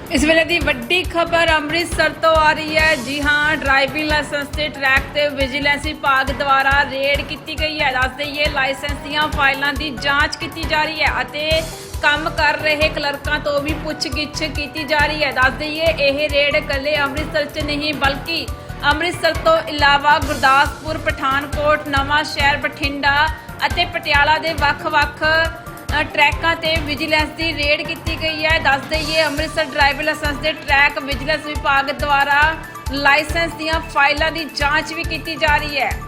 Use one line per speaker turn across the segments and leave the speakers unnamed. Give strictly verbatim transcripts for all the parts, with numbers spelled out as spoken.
इस वेले दी वड्डी खबर अमृतसर तो आ रही है। जी हाँ, ड्राइविंग लाइसेंस के ट्रैक ते विजिलेंस विभाग द्वारा रेड की गई है। दस दईए लाइसेंस दीयां फाइलों की जांच की जा रही है अते काम कर रहे क्लर्कों तो भी पुछगिछ की जा रही है। दस दईए यह रेड कले अमृतसर च नहीं बल्कि अमृतसर तो इलावा गुरदासपुर, पठानकोट, नवां शहर, बठिंडा अते पटियाला दे वख-वख ट्रैकों ते विजिलेंस की रेड की गई है। दस दईए अमृतसर ड्राइविंग लाइसेंस के ट्रैक विजिलेंस विभाग द्वारा लाइसेंस दीयां फाइलों की जांच भी की जा रही है।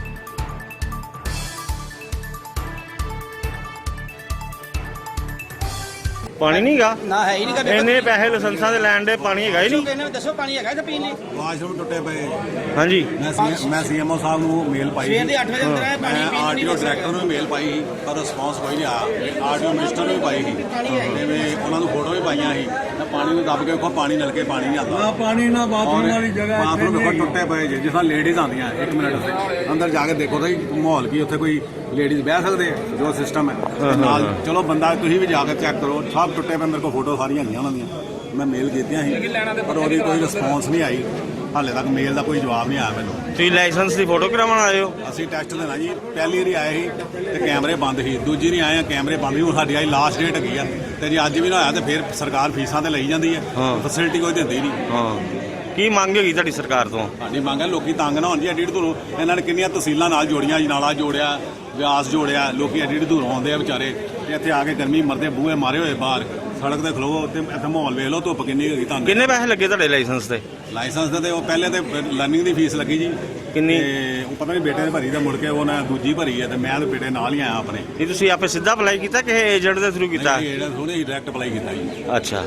पानी नहीं गा
ना है ही नहीं कदे
इन्ने पैसे लाइसेंसां दे लैण दे पानी हैगा ही नहीं।
कहने दसो पानी हैगा इत्थे पीण ਲਈ
ਵਾਸ਼ਰੂਮ ਟੁੱਟੇ ਪਏ।
हाँ जी
ਮੈਂ ਸੀ ਮੈਂ ਸੀਐਮਓ ਸਾਹਿਬ ਨੂੰ ਮੇਲ ਪਾਈ
ਸਵੇਰ ਦੇ ਅੱਠ ਵਜੇ ਅੰਦਰ ਆਇਆ ਪਾਣੀ
ਮੈਂ
ਪੀਣ
ਆਰਟੀਓ
ਨਹੀਂ
ਡਾਇਰੈਕਟਰ ਨੂੰ ਮੇਲ ਪਾਈ ਸੀ ਪਰ ਰਿਸਪੌਂਸ ਕੋਈ ਨਹੀਂ ਆਇਆ। ਆਰਟੀਓ ਮਿਨਿਸਟਰ ਨੂੰ ਵੀ ਪਾਈ ਸੀ ਜਿਵੇਂ ਉਹਨਾਂ ਨੂੰ ਫੋਟੋ ਵੀ ਪਾਈਆਂ ਸੀ ਤਾਂ ਪਾਣੀ ਨੂੰ ਦੱਬ ਕੇ ਵੇਖੋ ਪਾਣੀ ਨਲਕੇ ਪਾਣੀ ਨਹੀਂ ਆਉਂਦਾ।
ਪਾਣੀ ਨਾ ਬਾਥਰੂਮ ਵਾਲੀ ਜਗ੍ਹਾ
ਬਾਥਰੂਮ ਵੇਖੋ ਟੁੱਟੇ ਪਏ ਜੇ ਜਿਸ ਤਰ੍ਹਾਂ ਲੇਡੀਜ਼ ਆਉਂਦੀਆਂ ਇੱਕ ਮਿੰਟ ਉੱਤੇ ਅੰਦਰ ਜਾ ਕੇ ਦੇਖੋ ਤਾਂ ਮਾਹੌਲ ਕੀ ਉੱਥੇ ਕੋਈ ਲੇਡੀਜ਼ ਬਹਿ ਸਕਦੇ ਆ ਜੋ ਸਿਸਟਮ ਹੈ ਤੇ ਨਾਲ ਚਲੋ ਬੰਦਾ ਤੁਸੀਂ ਵੀ ਜਾ ਕੇ ਚੈੱਕ ਕਰੋ ਸਭ ਟੁੱਟੇ ਪਏ। ਮੇਰੇ ਕੋਲ ਫੋਟੋ ਸਾਰੀਆਂ ਹੈਗੀਆਂ ਉਹਨਾਂ ਦੀਆਂ ਮੈਂ ਮੇਲ ਕੀਤੀਆਂ ਸੀ ਪਰ ਉਹਦੀ ਕੋਈ ਰਿਸਪੌਂਸ ਨਹੀਂ ਆਈ। ਹਾਲੇ ਤੱਕ ਮੇਲ ਦਾ ਕੋਈ ਜਵਾਬ ਨਹੀਂ ਆਇਆ ਮੈਨੂੰ।
ਤੁਸੀਂ ਲਾਇਸੈਂਸ ਦੀ ਫੋਟੋ ਕਰਾਉਣ ਆਏ ਹੋ?
ਅਸੀਂ ਟੈਸਟ ਦੇਣਾ ਜੀ। ਪਹਿਲੀ ਵਾਰੀ ਆਏ ਸੀ ਤੇ ਕੈਮਰੇ ਬੰਦ ਸੀ, ਦੂਜੀ ਵਾਰੀ ਆਏ ਆ ਕੈਮਰੇ ਬੰਦ ਸੀ। ਹੁਣ ਸਾਡੀ ਆਈ ਲਾਸਟ ਡੇਟ ਹੈਗੀ ਆ ਤੇ ਜੇ ਅੱਜ ਵੀ ਨਾ ਹੋਇਆ ਤੇ ਫਿਰ ਸਰਕਾਰ ਫੀਸਾਂ ਤੇ ਲਈ ਜਾਂਦੀ ਹੈ, ਫੈਸਿਲਿਟੀ ਕੋਈ ਦਿੰਦੀ ਨਹੀਂ।
ਹਾਂ, ਕੀ ਮੰਗ ਹੈਗੀ ਤੁਹਾਡੀ ਸਰਕਾਰ ਤੋਂ?
ਸਾਡੀ ਮੰਗ ਹੈ ਲੋਕੀ ਤੰਗ ਨਾ ਹੋਣ ਜੀ। ਐਡੀ ਦੂਰੋਂ ਇਹਨਾਂ ਨੇ ਕਿੰਨੀਆਂ ਤਹਿਸੀਲਾਂ ਨਾਲ ਜੋੜੀਆਂ, ਅਜਨਾਲਾ ਜੋੜਿਆ, ਵਿਆਸ ਜੋੜਿਆ। ਲੋਕੀ ਐਡੀ ਦੂਰੋਂ ਆਉਂਦੇ ਆ ਵਿਚਾਰੇ ਤੇ ਇੱਥੇ ਆ ਕੇ ਗਰਮੀ ਮਰਦੇ, ਬੂਹੇ ਮਾਰੇ ਹੋਏ ਬਾਹਰ ਸੜਕ ਤੇ ਖਲੋ ਤੇ ਇੱਥੇ ਮਾਹੌਲ ਵੇਖ ਲਓ, ਧੁੱਪ ਕਿੰਨੀ ਹੈਗੀ ਤੁਹਾਨੂੰ।
ਕਿੰਨੇ ਪੈਸੇ ਲੱਗੇ ਤੁਹਾਡੇ ਲਾਇਸੈਂਸ ਤੇ?
ਲਾਇਸੈਂਸ ਦੇ ਤੇ ਉਹ ਪਹਿਲੇ ਤੇ ਲਰਨਿੰਗ ਦੀ ਫੀਸ ਲੱਗੀ ਜੀ
ਕਿੰਨੀ?
ਤੇ ਉਹ ਪਤਾ ਨਹੀਂ ਬੇਟੇ ਨੇ ਭਰੀ ਤੇ ਮੁੜ ਕੇ ਉਹਨੇ ਦੂਜੀ ਭਰੀ ਹੈ ਤੇ ਮੈਂ ਤੇ ਬੇਟੇ ਨਾਲ ਹੀ ਆਇਆ ਆਪਣੇ।
ਇਹ ਤੁਸੀਂ ਆਪੇ ਸਿੱਧਾ ਅਪਲਾਈ ਕੀਤਾ ਕਿ ਏਜੰਟ ਦੇ ਥਰੂ ਕੀਤਾ?
ਇਹ ਜਿਹੜਾ ਥੋੜੇ ਡਾਇਰੈਕਟ ਅਪਲਾਈ ਕੀਤਾ ਜੀ।
ਅੱਛਾ,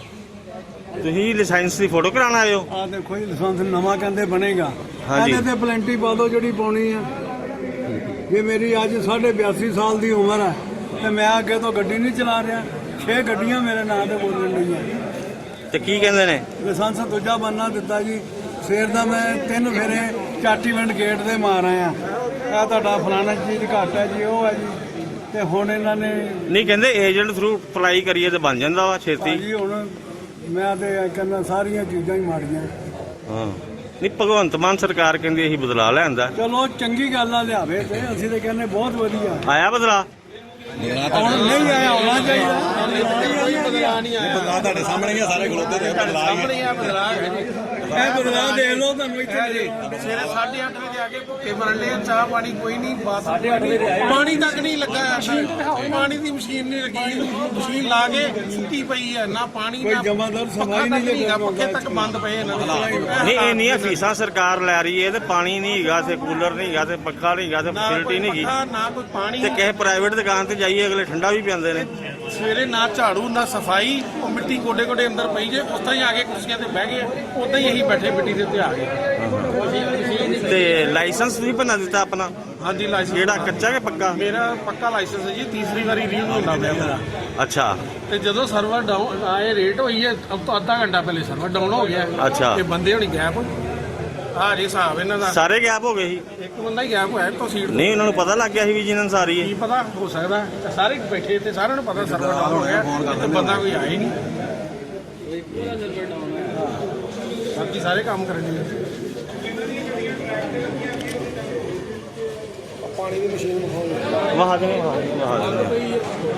ਤੁਸੀਂ ਲਾਇਸੈਂਸ ਦੀ ਫੋਟੋ ਕਰਾਉਣ ਆਏ ਹੋ?
ਆ ਦੇਖੋ ਜੀ ਲਾਇਸੈਂਸ ਨਵਾਂ ਕਹਿੰਦੇ ਬਣੇਗਾ।
ਹਾਂਜੀ।
ਇਹਦੇ ਤੇ ਪਲੈਂਟੀ ਪਾ ਦਿਓ ਜਿਹੜੀ ਪਾਉਣੀ ਆ। ਜੇ ਮੇਰੀ ਅੱਜ ਸਾਢੇ ਬਿਆਸੀ ਸਾਲ ਦੀ ਉਮਰ ਹੈ ਤੇ ਮੈਂ ਅੱਗੇ ਤੋਂ ਗੱਡੀ ਨਹੀਂ ਚਲਾ ਰਿਹਾ। ਛੇ ਗੱਡੀਆਂ ਮੇਰੇ ਨਾਂ ਤੇ ਬੋਲਣ ਲਈਆਂ।
ਤੇ ਕੀ ਕਹਿੰਦੇ ਨੇ?
ਲਾਇਸੈਂਸ ਦੂਜਾ ਬੰਨਾ ਦਿੱਤਾ ਜੀ। ਸਵੇਰ ਦਾ ਮੈਂ ਤਿੰਨ ਫੇਰੇ ਚਾਟੀਵਿੰਡ ਗੇਟ ਦੇ ਮਾਰ ਆਇਆ। ਇਹ ਤੁਹਾਡਾ ਫਲਾਣਾ ਚੀਜ਼ ਘੱਟ ਹੈ ਜੀ, ਉਹ ਹੈ ਜੀ। ਤੇ ਹੁਣ ਇਹਨਾਂ ਨੇ
ਨਹੀਂ ਕਹਿੰਦੇ ਏਜੰਟ ਥਰੂ ਅਪਲਾਈ ਕਰੀਏ ਤੇ ਬਣ ਜਾਂਦਾ ਵਾ ਛੇਤੀ।
ਜੀ ਹੁਣ ਮੈਂ ਤੇ ਕਹਿੰਦਾ ਸਾਰੀਆਂ ਚੀਜ਼ਾਂ ਹੀ ਮਾੜੀਆਂ।
ਹਾਂ, ਨਹੀਂ ਭਗਵੰਤ ਮਾਨ ਸਰਕਾਰ ਕਹਿੰਦੀ ਅਸੀਂ ਬਦਲਾ ਲਿਆਂਦਾ।
ਚਲੋ ਚੰਗੀ ਗੱਲ ਆ ਲਿਆਵੇ ਤੇ ਅਸੀਂ ਤੇ ਕਹਿੰਦੇ ਬਹੁਤ ਵਧੀਆ।
ਆਇਆ ਬਦਲਾ?
ਹੁਣ ਨਹੀਂ ਆਇਆ, ਆਉਣਾ ਚਾਹੀਦਾ।
ਬਦਲਾ ਨਹੀਂ ਆਇਆ।
ਬਦਲਾ ਤੁਹਾਡੇ ਸਾਹਮਣੇ ਹੀ ਆ, ਸਾਰੇ ਖਲੋਤੇ ਤੇ ਬਦਲਾ ਹੀ
ਸਾਹਮਣੇ ਆ ਬਦਲਾ ਹੈ ਜੀ।
ਇਹ ਬਦਲਾਅ ਦੇਖ ਲਓ ਤੁਹਾਨੂੰ ਇੱਥੇ
ਜੀ ਸਵੇਰੇ ਸਾਢੇ ਅੱਠ ਵਜੇ ਆ ਕੇ ਭੁੱਖੇ ਮਰਨ ਲਈ ਚਾਹ ਪਾਣੀ ਕੋਈ ਨਹੀਂ, ਬਾਤ ਪਾਣੀ ਤੱਕ ਨਹੀਂ ਲੱਗਾ। ਪਾਣੀ ਦੀ ਮਸ਼ੀਨ ਨਹੀਂ ਲੱਗੀ, ਮਸ਼ੀਨ ਲਾ ਕੇ ਸੁੱਤੀ ਪਈ ਹੈ। ਨਾ ਪਾਣੀ
ਕੋਈ
ਨਾ
ਜਮਾਦਾਰ
ਪੱਖਾ
ਸਫਾਈ
ਤੱਕ
ਨਹੀਂ
ਨਹੀਂ ਹੈਗਾ, ਪੱਖੇ ਤੱਕ ਬੰਦ ਪਏ ਇਹਨਾਂ ਦੇ।
ਨਹੀਂ ਇੰਨੀਆਂ ਫੀਸਾਂ ਸਰਕਾਰ ਲੈ ਰਹੀ ਹੈ ਤੇ ਪਾਣੀ ਨਹੀਂ ਹੈਗਾ, ਤੇ ਕੂਲਰ ਨਹੀਂ ਹੈਗਾ, ਤੇ ਪੱਖਾ ਨਹੀਂ ਹੈਗਾ, ਤੇ
ਨਾ ਕੋਈ
ਫੈਸਿਲਿਟੀ ਨਹੀਂ ਹੈਗੀ।
ਪੱਖਾ, ਨਾ ਕੋਈ ਪਾਣੀ।
ਤੇ ਕਿਸੇ ਪ੍ਰਾਈਵੇਟ ਦੁਕਾਨ ਤੇ ਜਾਈਏ ਅਗਲੇ ਠੰਡਾ ਵੀ ਪਿਆਉਂਦੇ ਨੇ।
ਸਵੇਰੇ ਨਾ ਝਾੜੂ ਨਾ ਸਫਾਈ, ਉਹ ਮਿੱਟੀ ਗੋਡੇ ਗੋਡੇ ਅੰਦਰ ਪਈ ਜੇ। ਉਸ ਤਰ੍ਹਾਂ ਹੀ ਆ ਕੇ ਕੁਰਸੀਆਂ ਤੇ ਬਹਿ ਗਏ, ਉਦਾਂ ਹੀ ਅਸੀਂ ਬੈਠੇ ਮਿੱਟੀ ਦੇ ਉੱਤੇ ਆ ਗਏ।
ਤੇ ਲਾਇਸੈਂਸ ਵੀ ਬਣਾ ਦਿੱਤਾ ਆਪਣਾ?
ਹਾਂਜੀ, ਲਾਇਸੈਂਸ
ਜਿਹੜਾ ਕੱਚਾ ਕਿ ਪੱਕਾ?
ਮੇਰਾ ਪੱਕਾ ਲਾਇਸੈਂਸ ਹੈ ਜੀ। ਤੀਸਰੀ ਵਾਰੀ ਰੀਨਿਊ ਹੁੰਦਾ ਪਿਆ ਮੇਰਾ।
ਅੱਛਾ,
ਤੇ ਜਦੋਂ ਸਰਵਰ ਡਾਊਨ ਆਏ ਰੇਟ ਹੋਈ ਹੈ, ਅਬ ਤੋਂ ਅੱਧਾ ਘੰਟਾ ਪਹਿਲੇ ਸਰਵਰ ਡਾਊਨ ਹੋ ਗਿਆ।
ਅੱਛਾ।
ਤੇ ਬੰਦੇ ਹੋਣੀ ਗੈਪ ਆ ਜੀ ਹਿਸਾਬ ਇਹਨਾਂ ਦਾ।
ਸਾਰੇ ਗੈਪ ਹੋ ਗਏ ਸੀ?
ਇੱਕ ਬੰਦਾ ਹੀ ਗੈਪ ਹੋਇਆ ਤੋਂ ਸੀਟ।
ਨਹੀਂ, ਉਹਨਾਂ ਨੂੰ ਪਤਾ ਲੱਗ ਗਿਆ ਸੀ ਵਿਜੀਲੈਂਸ ਆ ਰਹੀ
ਕੀ
ਹੈ?
ਪਤਾ, ਹੋ ਸਕਦਾ ਤੇ ਸਾਰੇ ਬੈਠੇ ਤੇ ਸਾਰਿਆਂ ਨੂੰ ਪਤਾ ਸਰਵਰ ਡਾਊਨ ਹੋ ਗਿਆ ਤੇ ਬੰਦਾ ਕੋਈ ਆਇਆ ਹੀ ਨਹੀਂ। ਬਾਕੀ ਸਾਰੇ ਕੰਮ ਕਰਨ ਜੀ। ਪਾਣੀ ਦੀ ਮਸ਼ੀਨ ਵਿਖਾਓ।
ਵਹਾ ਦੇ ਵਹਾ ਦੇ